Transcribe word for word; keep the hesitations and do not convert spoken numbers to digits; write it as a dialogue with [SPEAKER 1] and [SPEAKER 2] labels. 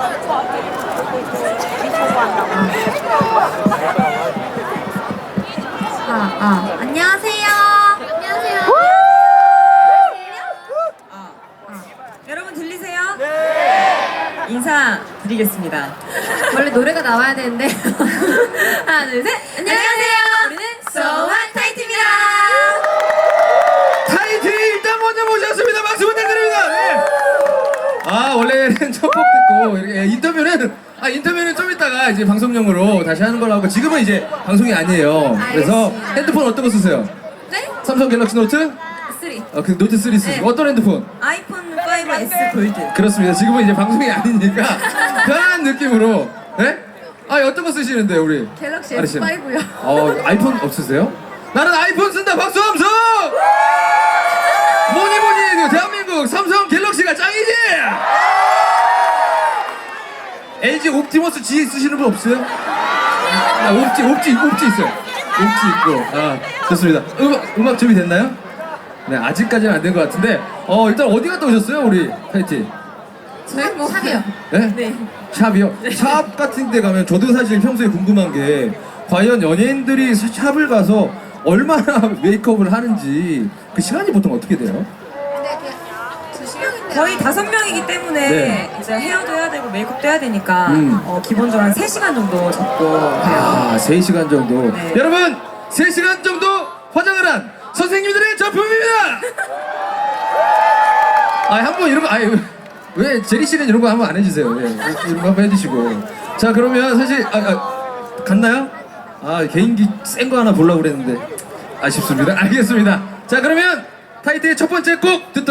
[SPEAKER 1] 아, 아. 안녕하세요. 안녕하세요.
[SPEAKER 2] 아, 아. 여러분 들리세요? 네. 인사 드리겠습니다.
[SPEAKER 1] 원래 노래가 나와야 되는데. 하나, 둘, 셋. 안녕하세요. 우리는 소환 타이트입니다.
[SPEAKER 3] 타이틀 일단 먼저 모셨습니다. 박수 부탁드립니다. 네. 아 원래는 첫 곡 듣고 이렇게 인터뷰는 아 인터뷰는 좀 이따가 이제 방송용으로 다시 하는 걸로 하고 지금은 이제 방송이 아니에요. 그래서
[SPEAKER 1] 알겠습니다.
[SPEAKER 3] 핸드폰 어떤 거 쓰세요?
[SPEAKER 1] 네?
[SPEAKER 3] 삼성 갤럭시 노트?
[SPEAKER 1] 쓰리.
[SPEAKER 3] 어, 그 노트 쓰리 쓰시고
[SPEAKER 1] 네.
[SPEAKER 3] 어떤 핸드폰?
[SPEAKER 2] 아이폰 파이브 에스 골드.
[SPEAKER 3] 그렇습니다. 지금은 이제 방송이 아니니까 편한 느낌으로. 네? 아 어떤 거 쓰시는데요 우리?
[SPEAKER 1] 갤럭시
[SPEAKER 3] 아리 씨는?
[SPEAKER 1] 에스 파이브요.
[SPEAKER 3] 어 아이폰 없으세요? 나는 아이폰 쓴다. 박수 함성! 뭐니 뭐니 해도 대한민국 삼성 갤럭시가 짱이지! 엘지 옵티머스 지 쓰시는 분 없어요? 아, 옵지 옵지 옵지 있어요. 옵지 있고. 아 좋습니다. 음악 음악 준비됐나요? 네 아직까지는 안 된 것 같은데 어 일단 어디 갔다 오셨어요 우리 타이티?
[SPEAKER 1] 저희 뭐 샵이요.
[SPEAKER 3] 네?
[SPEAKER 2] 네.
[SPEAKER 3] 샵이요? 샵 같은 데 가면 저도 사실 평소에 궁금한 게 과연 연예인들이 샵을 가서 얼마나 메이크업을 하는지 그 시간이 보통 어떻게 돼요?
[SPEAKER 1] 근데 그두 명인데.
[SPEAKER 2] 거의 다섯 명이기 때문에
[SPEAKER 3] 네.
[SPEAKER 2] 이제 헤어도 해야 되고 메이크업도 해야 되니까
[SPEAKER 3] 음.
[SPEAKER 2] 어, 기본적으로 한 세 시간 정도 잡고 해요.
[SPEAKER 3] 아, 세 시간 정도.
[SPEAKER 2] 네.
[SPEAKER 3] 여러분, 세 시간 정도 화장을 한 선생님들의 작품입니다! 아, 한번 이런 거, 아니, 왜, 왜 제리 씨는 이런 거 한번 안 해주세요. 네, 이런 거 한번 해주시고. 자, 그러면 사실, 아, 아 갔나요? 아, 개인기 센 거 하나 보려고 그랬는데. 아쉽습니다. 알겠습니다. 자, 그러면 타이틀의 첫 번째 곡 듣도록